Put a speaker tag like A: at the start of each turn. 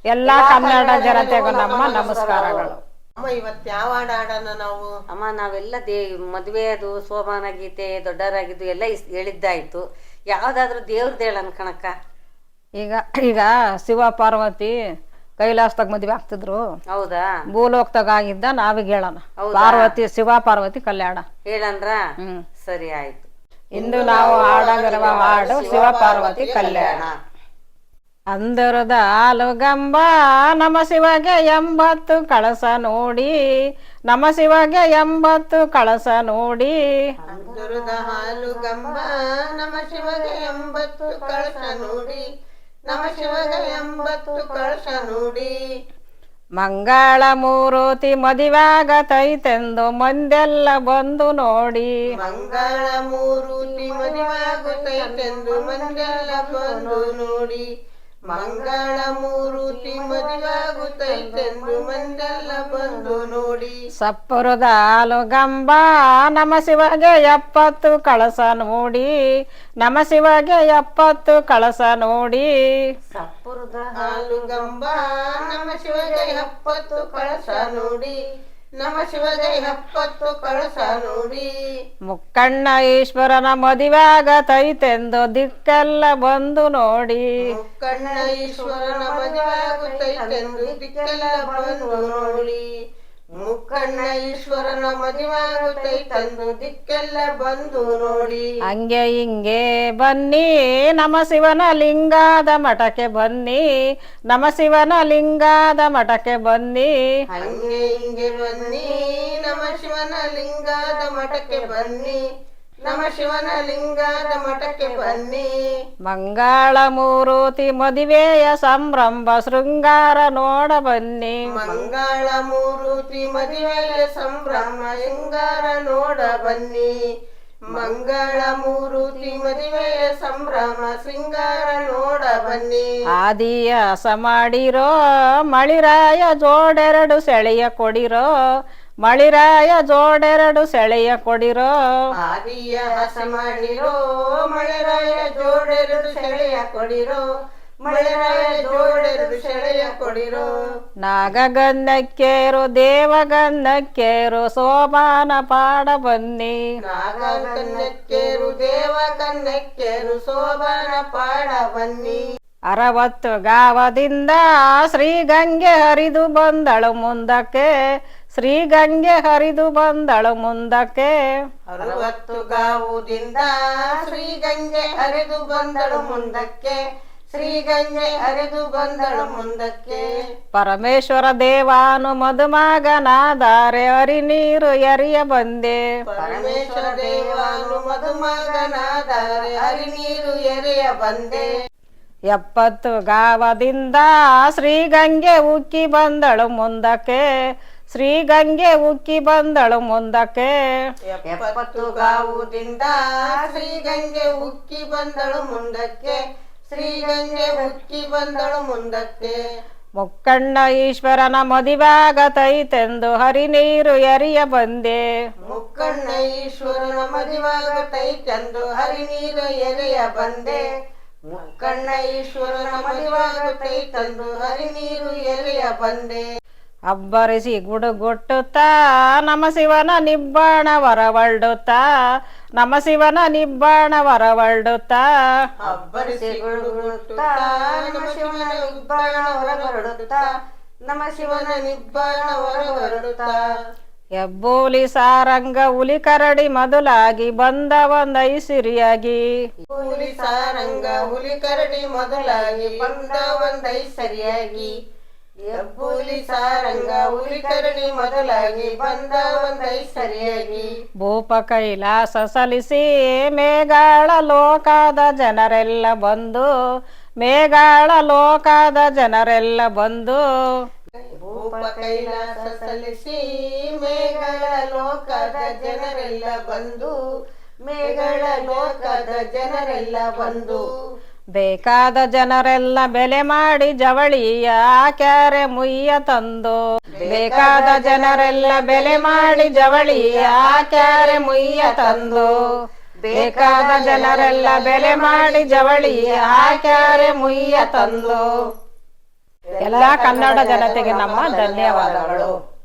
A: ಎಲ್ಲ ಕನ್ನಡ ಜನತೆಗೂ ನಮ್ಮ ನಮಸ್ಕಾರಗಳು.
B: ಅಮ್ಮ ಇವತ್ತು ಯಾವ ಹಾಡು ಹಾಡೋಣ ನಾವು?
C: ಅಮ್ಮ ನಾವೆಲ್ಲ ಮದುವೆಯದು ಸೋಮಾನ ಗೀತೆ ದೊಡ್ಡವರಾಗಿದ್ದು ಎಲ್ಲ ಹೇಳಿದ್ದಾಯ್ತು. ಯಾವ್ದಾದ್ರು ದೇವ್ರದ್ದು ಹೇಳನ್ ಕಣಕ್ಕ.
A: ಈಗ ಶಿವ ಪಾರ್ವತಿ ಕೈಲಾಸದಾಗ ಮದುವೆ ಆಗ್ತಿದ್ರು.
C: ಹೌದಾ?
A: ಭೂಲೋಕದಾಗ ಆಗಿದ್ದ ನಾವೀಗ ಹೇಳೋಣ. ಪಾರ್ವತಿ ಶಿವ ಪಾರ್ವತಿ ಕಲ್ಯಾಣ
C: ಹೇಳನ್ರ? ಸರಿ ಆಯ್ತು.
A: ಇಂದು ನಾವು ಹಾಡಗಿರುವ ಹಾಡು ಶಿವ ಪಾರ್ವತಿ ಕಲ್ಯಾಣ. ಅಂದರದ ಹಾಲುಗಂಬ ನಮ ಶಿವಗೆ 80 ಕಳಸ ನೋಡಿ, ನಮ ಶಿವಗೆ 80 ಕಳಸ ನೋಡಿ.
B: ಅಂದರದ ಹಾಲುಗಂಬ ನಮ ಶಿವಗೆ 80 ಕಳಸ ನೋಡಿ, ನಮ ಶಿವಗೆ 80 ಕಳಸ ನೋಡಿ.
A: ಮಂಗಳ ಮೂರುತಿ ಮದುವಾಗತೈತೆಂದು ಮಂದೆಲ್ಲ ಬಂದು ನೋಡಿ,
B: ಮಂಗಳ ಮೂರುತಿ ಮದುವಾಗುತ್ತೈತೆಂದು ಮಂದೆಲ್ಲ ಬಂದು ನೋಡಿ, ಮಂಗಳ ಮೂರುತಿ ಮದುವಾಗುತ್ತೈತೆಂದು ಮಂದೆಲ್ಲ ಬಂದು ನೋಡಿ.
A: ಸಪ್ಪುರದ ಹಾಲುಗಂಬ ನಮ ಶಿವಗೆ 70 ಕಳಸ ನೋಡಿ, ನಮ ಶಿವಗೆ 70 ಕಳಸ ನೋಡಿ.
C: ಸಪ್ಪುರದ
B: ಹಾಲುಗಂಬ ನಮ ಶಿವಗೆ 70 ಕಳಸ ನೋಡಿ, ನಮ ಶಿವಗೆ 70 ಕಳಸ ನೋಡಿ.
A: ಮುಕ್ಕಣ್ಣ ಈಶ್ವರನ ಮದುವಾಗತೈತೆಂದು ದಿಕ್ಕೆಲ್ಲ ಬಂದು ನೋಡಿ,
B: ಮುಕ್ಕಣ್ಣ ಈಶ್ವರನ ಮದುವಾಗುತ್ತೈತೆಂದು ದಿಕ್ಕೆಲ್ಲ ಬಂದು ನೋಡಿ, ಮುಕ್ಕಣ್ಣ ಈಶ್ವರನ ಮದುವಾಗುತ್ತೈತೆಂದು ದಿಕ್ಕೆಲ್ಲ ಬಂದು ನೋಡಿ.
A: ಹಂಗೆ ಹಿಂಗೆ ಬನ್ನಿ ನಮ ಶಿವನ ಲಿಂಗಾದ ಮಠಕ್ಕೆ ಬನ್ನಿ, ನಮ ಶಿವನ ಲಿಂಗಾದ ಮಠಕ್ಕೆ ಬನ್ನಿ.
B: ಹಂಗೆ ಹಿಂಗೆ ಬನ್ನಿ ನಮ ಶಿವನ ಲಿಂಗಾದ ಮಠಕ್ಕೆ ಬನ್ನಿ, ನಮ ಶಿವನ ಲಿಂಗಾದ ಮಠಕ್ಕೆ ಬನ್ನಿ.
A: ಮಂಗಳ ಮೂರುತಿ ಮದುವೆಯ ಸಂಭ್ರಮ ಶೃಂಗಾರ ನೋಡ ಬನ್ನಿ,
B: ಮಂಗಳ ಮೂರುತಿ ಮದುವೆಯ ಸಂಭ್ರಮ ಶೃಂಗಾರ ನೋಡ ಬನ್ನಿ, ಮಂಗಳ ಮೂರುತಿ ಮದುವೆಯ ಸಂಭ್ರಮ ಶೃಂಗಾರ ನೋಡ ಬನ್ನಿ.
A: ಆದಿಯಾಸ ಮಾಡಿರೋ ಮಳಿರಾಯ ಜೋಡೆರಡು ಸೆಳೆಯ ಕೊಡಿರೋ, ಮಳಿರಾಯ ಜೋಡೆರಡು ಸೆಳೆಯ ಕೊಡಿರೋ.
B: ಆದಿಯಾಸ ಮಾಡಿರೋ ಮಳೆರಾಯ ಜೋಡೆರಡು ಸೆಳೆಯ ಕೊಡಿರೋ, ಮಳೆರಾಯ ಜೋಡೆರಡು ಸೆಳೆಯ ಕೊಡಿರೋ.
A: ನಾಗಗನ್ನಕ್ಕೇರು ದೇವಗನ್ನಕ್ಕೇರು ಸೋಮಾನ ಪಾಡ ಬನ್ನಿ,
B: ನಾಗಕನ್ನಕ್ಕೇರು ದೇವಕನ್ನಕ್ಕೇರು ಶೋಭಾನ ಪಾಡ ಬನ್ನಿ.
A: 60 ಗಾವದಿಂದ ಶ್ರೀಗಂಗೆ ಹರಿದು ಬಂದಳು ಮುಂದಕ್ಕೆ, ಶ್ರೀಗಂಗೆ ಹರಿದು ಬಂದಳು ಮುಂದಕ್ಕೆ.
B: 60 ಗಾವುದಿಂದ ಶ್ರೀಗಂಗೆ ಹರಿದು ಬಂದಳು ಮುಂದಕ್ಕೆ, ಶ್ರೀಗಂಗೆ ಹರಿದು ಬಂದಳು ಮುಂದಕ್ಕೆ.
A: ಪರಮೇಶ್ವರ ದೇವಾನು ಮದುಮಗನಾದರೆ ಹರಿ ನೀರು ಎರಿಯ ಬಂದೆ,
B: ಪರಮೇಶ್ವರ ದೇವಾನು ಮದುಮಗನಾದರೆ ಹರಿ ನೀರು ಎರೆಯ ಬಂದೆ.
A: 70 ಗಾವದಿಂದ ಶ್ರೀಗಂಗೆ ಉಕ್ಕಿ ಬಂದಳು ಮುಂದಕ್ಕೆ, ಶ್ರೀಗಂಗೆ ಉಕ್ಕಿ ಬಂದಳು ಮುಂದಕ್ಕೆ.
B: 70 ಗಾವುದಿಂದ ಶ್ರೀಗಂಗೆ ಉಕ್ಕಿ ಬಂದಳು ಮುಂದಕ್ಕೆ, ಶ್ರೀಗಂಗೆ ಉಕ್ಕಿ ಬಂದಳು ಮುಂದಕ್ಕೆ.
A: ಮುಕ್ಕಣ್ಣ ಈಶ್ವರನ ಮದುವಾಗತೈತೆಂದು ಹರಿ ನೀರು ಎರಿಯ ಬಂದೆ,
B: ಮುಕ್ಕಣ್ಣ ಈಶ್ವರನ ಮದುವಾಗತೈತೆಂದು ಹರಿ ನೀರು ಎರೆಯ ಬಂದೆ, ಮುಕ್ಕಣ್ಣ ಈಶ್ವರನ ಮದುವಾಗತೈತೆಂದು ಹರಿ ನೀರು ಎರೆಯ ಬಂದೆ.
A: ಅಬ್ಬರಿಸಿ ಗುಡುಗುಟ್ಟುತ್ತಾ ನಮ ಶಿವನ ನಿಬ್ಬಾಣ ಹೊರವಳ್ಡುತ್ತಾ, ನಮ ಶಿವನ ನಿಬ್ಬಾಣ ಹೊರವಳ್ಡುತ್ತಾ.
B: ಅಬ್ಬರಿಸಿ ಗುಡುಗುಟ್ಟುತ್ತಾ ನಮ ಶಿವನ ನಿಬ್ಬಾಣ ಹೊರಹೊರಡುತ್ತಾ, ನಮ ಶಿವನ ನಿಬ್ಬಾಣ ಹೊರಹೊರಡುತ್ತಾ.
A: ಹೆಬ್ಬೂಲಿ ಸಾರಂಗ ಹುಲಿ ಕರಡಿ ಮೊದಲಾಗಿ ಬಂದ ಒಂದೈಸಿರಿಯಾಗಿ,
B: ಹುಲಿ ಸಾರಂಗ ಹುಲಿ ಕರಡಿ ಮೊದಲಾಗಿ ಬಂದ ಒಂದೈಸರಿಯಾಗಿ, ಹೆಬ್ಬೂಲಿ ಸಾರಂಗ ಹುಲಿ ಕರಡಿ ಮೊದಲಾಗಿ ಬಂದ ಒಂದೈಸರಿಯಾಗಿ.
A: ಭೂಪ ಕೈಲಾಸ ಸಲಿಸಿ ಮೇಘಾಳ ಲೋಕದ ಜನರೆಲ್ಲ ಬಂದು, ಮೇಘಾಳ ಲೋಕದ ಜನರೆಲ್ಲ ಬಂದು.
B: ಭೂಪ ಕೈಲಾಸ ಸಲ್ಲಿಸಿ ಮೇಘಗಳ ಲೋಕದ ಜನರೆಲ್ಲ ಬಂದು, ಮೇಘಗಳ ಲೋಕದ ಜನರೆಲ್ಲ ಬಂದು.
A: ಬೇಕಾದ ಜನರೆಲ್ಲ ಬೆಲೆ ಮಾಡಿ ಜವಳಿಯ ಹಾಕ್ಯಾರೆ ಮುಯ್ಯ ತಂದು, ಬೇಕಾದ ಜನರೆಲ್ಲ ಬೆಲೆ ಮಾಡಿ ಜವಳಿಯ ಹಾಕ್ಯಾರೆ ಮುಯ್ಯ ತಂದು. ಬೇಕಾದ ಜನರೆಲ್ಲ ಬೆಲೆ ಮಾಡಿ ಜವಳಿಯ ಹಾಕ್ಯಾರೆ ಮುಯ್ಯ ತಂದು. ಎಲ್ಲ ಕನ್ನಡ ಜನತೆಗೆ ನಮ್ಮ ಧನ್ಯವಾದಗಳು.